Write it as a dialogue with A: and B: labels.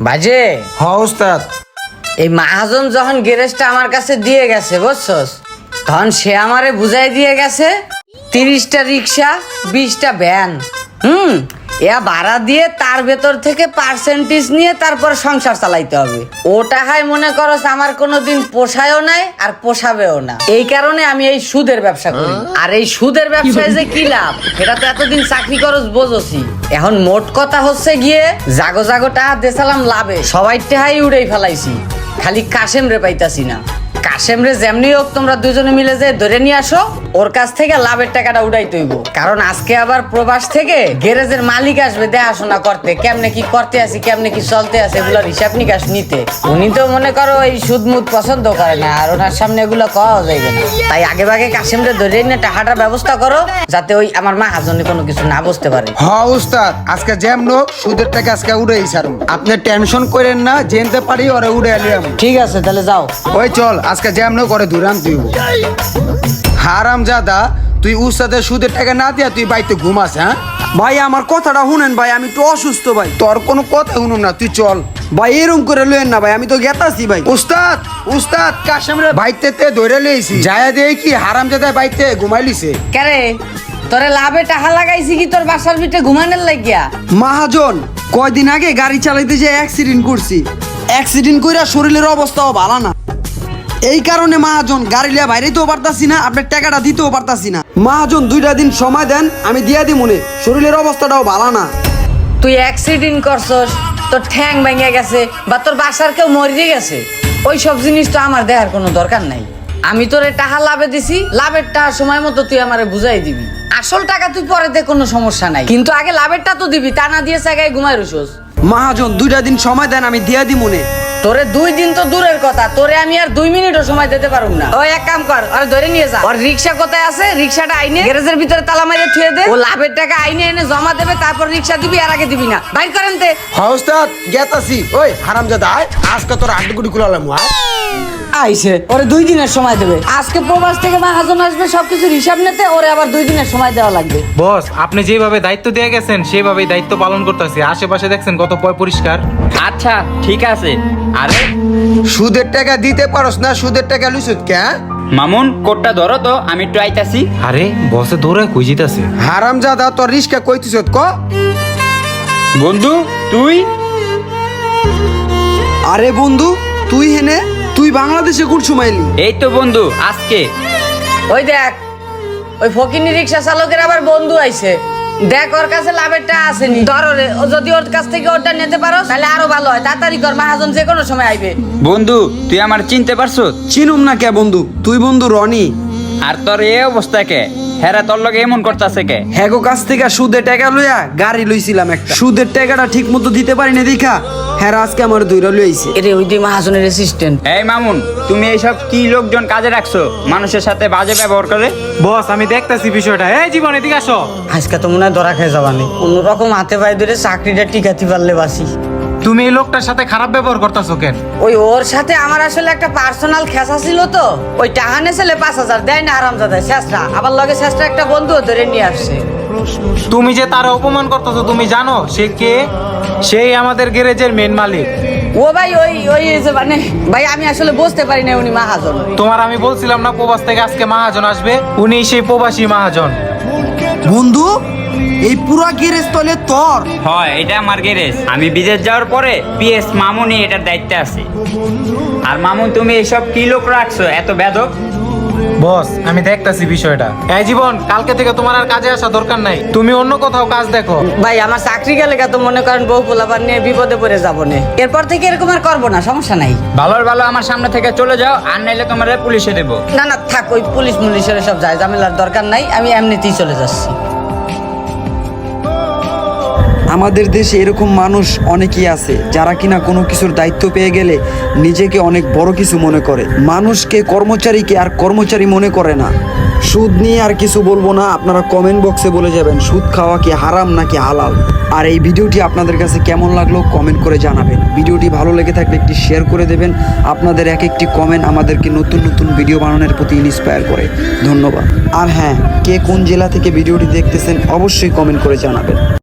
A: বাজে
B: হ উস্তাদ।
A: এই মাহাজন যখন গ্যারেজটা আমার কাছে দিয়ে গেছে বুঝছস, তখন সে আমারে বুঝাই দিয়ে গেছে 30টা রিক্সা 20টা ভ্যান এয়া ভাড়া দিয়ে তার ভেতর থেকে পার্সেন্টেজ নিয়ে তারপর সংসার চালাইতে হবে। ওটা হয় মনে করস আমার কোনোদিন পোষায়ও নাই আর পোষাবেও না। এই কারণে আমি এই সুদের ব্যবসা করি। আর এই সুদের ব্যবসায় যে কি লাভ এটা তো এতদিন চাকরি করস বোঝছি। এখন মোট কথা হচ্ছে গিয়ে জাগো জাগো টাকা দেশালাম লাভে সবাই টাকাই উড়াই ফেলাইছি, খালি কাশেম রে পাইতাছি না। কাশেম রে যেমনি হোক তোমরা দুজনে মিলে যে ধরে নিয়ে আসো, ওর কাছ থেকে লাভের টাকাটা উঠাই তৈব। কারণ আজকে আবার প্রবাস থেকে গ্যারেজের মালিক আসবে দেখাশোনা করতে, কেমনে কি করতে আছে কেমনে কি চলতে আছে এগুলোর হিসাব নিকাশ নিতে। উনি তো মনে করো এই সুদ মুদ পছন্দ করে না, আর ওনার সামনে এগুলো কওয়া যাইবে না। তাই আগে ভাগে কাশেম রে ধরে নিয়ে টাকাটার ব্যবস্থা করো, যাতে ওই আমার মাহাজনে কোনো কিছু না বুঝতে পারে।
B: হ উস্তাদ, আজকে যেমন সুদের টাকা আজকে উড়াই ছাড়ুন। আপনি টেনশন করেন না, জেনতে পারি ওরে উড়ে আলিয়াম।
A: ঠিক আছে তাহলে যাও।
B: ওই চল আজকে যেমন করে ধুরাম তুই। হারাম জাদা, তুই উস্তাদের সুদের টাকা না দিয়া তুই বাইতে ঘুমাস? হ্যাঁ
C: ভাই আমার কথাটা শুনেন ভাই, আমি একটু অসুস্থ ভাই।
B: তোর কোনো কথা শুনুম না, তুই চল।
C: ভাই এরকম করে লইেন না ভাই, আমি তো গেতাছি ভাই।
B: উস্তাদ উস্তাদ কাশেম রে বাইতে ধরে লইছি, যায় দিয়ে কি হারাম জাদা বাইতে ঘুমাই লিছে।
A: কেরে তোরে লাভে টাকা লাগাইছি কি তোর বাসার ভিতরে ঘুমানোর লাগিয়া?
C: মহাজন কয়দিন আগে গাড়ি চালাইতে যে অ্যাক্সিডেন্ট করছি, অ্যাক্সিডেন্ট কইরা শরীরের অবস্থাও ভালো না। এই কারণে মহাজন গাড়ি লিয়া বাইরেতেও পারতাছি না, আপনার টাকাটা দিতেও পারতাছি না। মহাজন 2টা দিন সময় দেন, আমি দিয়া দি মনে। শরীরের অবস্থাটাও ভালো না।
A: তুই অ্যাক্সিডেন্ট করছস, তোর ঠ্যাং ভেঙে গেছে বা তোর বাসার কেউ মরে গেছে, ওই সব জিনিস তো আমার দেখার কোনো দরকার নাই। আমি তোরে টাকা লাভে দিছি, লাভের টাকা সময় মতো তুই আমারে বুঝাই দিবি। আসল টাকা তুই পরে দে, কোনো সমস্যা নাই, কিন্তু আগে লাভেরটা তো দিবি। তা না দিয়ে জায়গায় ঘুমাই রুসোস।
C: মহাজন 2টা দিন সময় দেন, আমি দিয়া দি মনে।
A: তোরে 2 দিন তো দূরের কথা, তোরে আমি আর 2 মিনিটও সময় দিতে পারুম না। ওই এক কাম কর, আর ধরে নিয়ে যা। আর রিক্সা কোথায় আছে? রিক্সাটা আইনে গ্যারেজের ভিতরে তালা মারিয়ে থুয়ে দে। ও লাভের টাকা আইনে এনে জমা দেবে, তারপর রিক্সা দিবি, আর আগে দিবি না। বাইর করেন তে।
B: হ উস্তাদ গেতাছি। ওই হারাম জাদা আয়, আজকে তোর আড্ডি কুলালাম।
A: আইসে ওরে 2 দিনের সময় দেবে। আজকে প্রবাস থেকে মাহাজন আসবে সবকিছুর হিসাব নিতে, ওরে আবার 2 দিনের সময় দেওয়া লাগবে।
D: বস, আপনি যেভাবে দায়িত্ব দিয়ে গেছেন সেভাবেই দায়িত্ব পালন করতেছি। আশেপাশে দেখছেন কত পরিষ্কার।
E: আচ্ছা ঠিক আছে। আরে
B: সুদের টাকা দিতে পারস না, সুদের টাকা লুইছত কে?
E: মামুন কোটটা ধরো তো, আমি একটু আইতাছি।
D: আরে বসে দৌড়ে কই জিতাছে?
B: হারাম জাদা তোর রিস্কা কইতিছত ক?
E: বন্ধু তুই?
C: আরে বন্ধু তুই হেনে, তুই বাংলাদেশে কুরছু মাইলি?
E: এই তো বন্ধু আজকে।
A: ওই দেখ, ওই ফকিনি রিক্সা চালকের আবার বন্ধু আইছে। দেখ ওর কাছে লাভেরটা আসেনি, ধর ওরে। ও যদি ওর কাছ থেকে ওটা নিতে পারো তাহলে আরো ভালো হয়। তাড়াতাড়ি কর, মাহাজন যে কোনো সময় আইবে।
E: বন্ধু তুই আমার চিনতে পারছো?
C: চিনুম না কে বন্ধু? তুই বন্ধু রনি।
E: আর তোর এই অবস্থা কে? হেরা তোর লগে এমন করতেছে কে?
C: হ্যাগো কাছ থেকে সুদের টাকা লইয়া গাড়ি লইছিলাম একটা। সুদের টাকাটা ঠিক মতো দিতে পারি না দেখা হ্যাঁ আজকে আমার 2টা লইছে।
A: এরে ওই যে মাহাজনের অ্যাসিস্ট্যান্ট।
E: এই মামুন, তুমি এইসব কি লোকজন কাজে রাখছো মানুষের সাথে বাজে ব্যবহার করে?
D: বস আমি দেখতাছি বিষয়টা। এই জীবন এদিকে আসো।
A: আজকে তো মনে হয় ধরা খেয়ে যাবানি। অন্যরকম হাতে পায়ে ধরে চাকরিটা টিকাতে পারলে বাসি।
D: তুমি এই লোকটার সাথে খারাপ ব্যবহার করতেছো কেন?
A: ওই ওর সাথে আমার আসলে একটা পার্সোনাল খেসা ছিল তো। ওই টাকা নেছিলে 5000 দেয় না আরামজাদা শেষরা, আবার লগে শেষরা একটা বন্ধু ধরে নিয়ে আসছে।
D: তুমি যে তার অপমান করতেছো তুমি জানো সে কে? সেই আমাদের গ্যারেজের মেন মালিক।
A: ও ভাই ওই ওই যে মানে ভাই আমি আসলে বুঝতে পারি না উনি মাহাজন।
D: তোমার আমি বলছিলাম না প্রবাস থেকে আজকে মাহাজন আসবে? উনি সেই প্রবাসী মাহাজন।
C: বন্ধু এই পুরা গ্যারেজ তলে তোর?
E: হয় এটা আমার গ্যারেজ। আমি বিদেশ যাওয়ার পরে পিএস মামুনই এটার দায়িত্বে আছে। আর মামুন তুমি এইসব কি লোক রাখছো এত বেদক?
D: বস আমি দেখতাছি বিষয়টা। এই জীবন, কালকে থেকে তোমার আর কাজে আসা দরকার নাই, তুমি অন্য কোথাও কাজ দেখো।
A: ভাই আমার চাকরি গেলে তো মনে করেন বউ পোলাপান নিয়ে বিপদে পড়ে যাবো না। এরপর থেকে এরকম আর করবো না, সমস্যা নাই।
E: ভালোর ভালো আমার সামনে থেকে চলে যাও, আর নাইলে তোমার পুলিশে দেবো।
A: না না থাক, ওই পুলিশ মুলিশের সব যায় ঝামেলার দরকার নাই, আমি এমনিতেই চলে যাচ্ছি।
C: আমাদের দেশে এরকম মানুষ অনেকেই আছে যারা কিনা কোনো কিছুর দায়িত্ব পেয়ে গেলে নিজেকে অনেক বড় কিছু মনে করে। মানুষকে কর্মচারীকে আর কর্মচারী মনে করে না। সুদ নিয়ে আর কিছু বলবো না, আপনারা কমেন্ট বক্সে বলে যাবেন সুদ খাওয়া কি হারাম নাকি হালাল। আর এই ভিডিওটি আপনাদের কাছে কেমন লাগলো কমেন্ট করে জানাবেন। ভিডিওটি ভালো লেগে থাকলে একটি শেয়ার করে দেবেন। আপনাদের এক একটি কমেন্ট আমাদেরকে নতুন নতুন ভিডিও বানানোর প্রতি ইন্সপায়ার করে। ধন্যবাদ। আর হ্যাঁ, কে কোন জেলা থেকে ভিডিওটি দেখতেছেন অবশ্যই কমেন্ট করে জানাবেন।